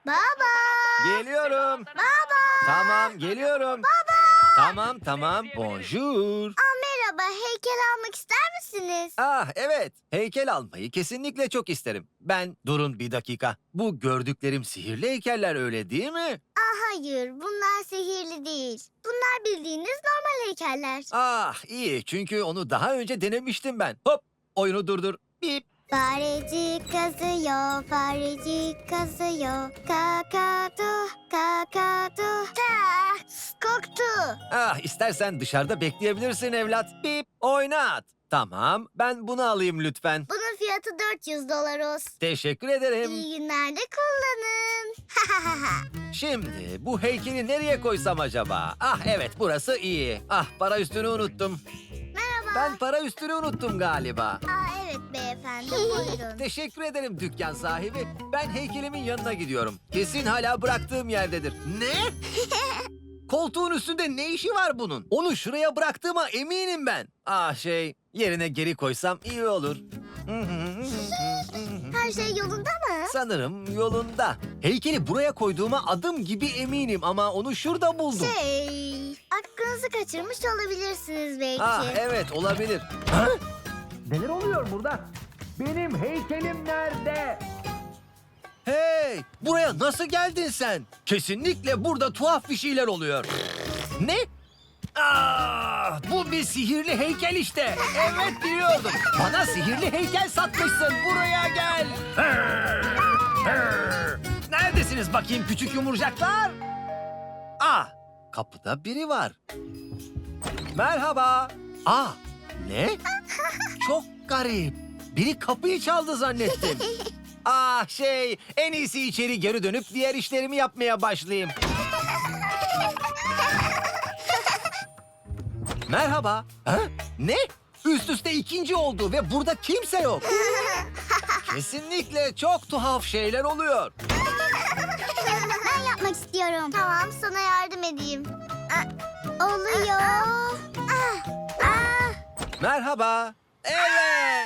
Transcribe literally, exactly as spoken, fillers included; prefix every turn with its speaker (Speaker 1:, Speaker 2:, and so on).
Speaker 1: Baba.
Speaker 2: Geliyorum.
Speaker 1: Baba.
Speaker 2: Tamam, geliyorum.
Speaker 1: Baba.
Speaker 2: Tamam, tamam. Bonjour.
Speaker 1: Aa, merhaba, heykel almak ister misiniz?
Speaker 2: Ah, evet. Heykel almayı kesinlikle çok isterim. Ben, durun bir dakika. Bu gördüklerim sihirli heykeller, öyle değil mi?
Speaker 1: Aa, hayır, bunlar sihirli değil. Bunlar bildiğiniz normal heykeller.
Speaker 2: Ah, iyi. Çünkü onu daha önce denemiştim ben. Hop, oyunu durdur. Bip.
Speaker 1: Farecik kazıyor, farecik kazıyor. Kakadu, kakadu. Ta, koktu.
Speaker 2: Ah, istersen dışarıda bekleyebilirsin evlat. Bip, oynat. Tamam, ben bunu alayım lütfen.
Speaker 1: Bunun fiyatı dört yüz dolar olsun.
Speaker 2: Teşekkür ederim.
Speaker 1: İyi günlerde kullanın.
Speaker 2: Şimdi bu heykeli nereye koysam acaba? Ah evet, burası iyi. Ah, para üstünü unuttum.
Speaker 1: Merhaba.
Speaker 2: Ben para üstünü unuttum galiba.
Speaker 1: Aa, evet beyefendi, buyurun.
Speaker 2: Teşekkür ederim dükkan sahibi. Ben heykelimin yanına gidiyorum. Kesin hala bıraktığım yerdedir. Ne? Koltuğun üstünde ne işi var bunun? Onu şuraya bıraktığıma eminim ben. Ah şey, yerine geri koysam iyi olur.
Speaker 1: Her şey yolunda mı?
Speaker 2: Sanırım yolunda. Heykeli buraya koyduğuma adım gibi eminim ama onu şurada buldum.
Speaker 1: Şey, aklınızı kaçırmış olabilirsiniz belki.
Speaker 2: Ah evet, olabilir. Ha? Neler oluyor burada? Benim heykelim nerede? Hey! Buraya nasıl geldin sen? Kesinlikle burada tuhaf bir şeyler oluyor. Ne? Ah, bu bir sihirli heykel işte. Evet, biliyordum. Bana sihirli heykel satmışsın. Buraya gel. Neredesiniz bakayım küçük yumurcaklar? Ah, kapıda biri var. Merhaba. Ah, ne? Çok garip. Biri kapıyı çaldı zannettim. Ah şey, en iyisi içeri geri dönüp diğer işlerimi yapmaya başlayayım. Merhaba. Ha? Ne? Üst üste ikinci oldu ve burada kimse yok. Kesinlikle çok tuhaf şeyler oluyor.
Speaker 1: Ben yapmak istiyorum. Tamam, sana yardım edeyim. Aa, oluyor. Ah, ah.
Speaker 2: Merhaba. Evet.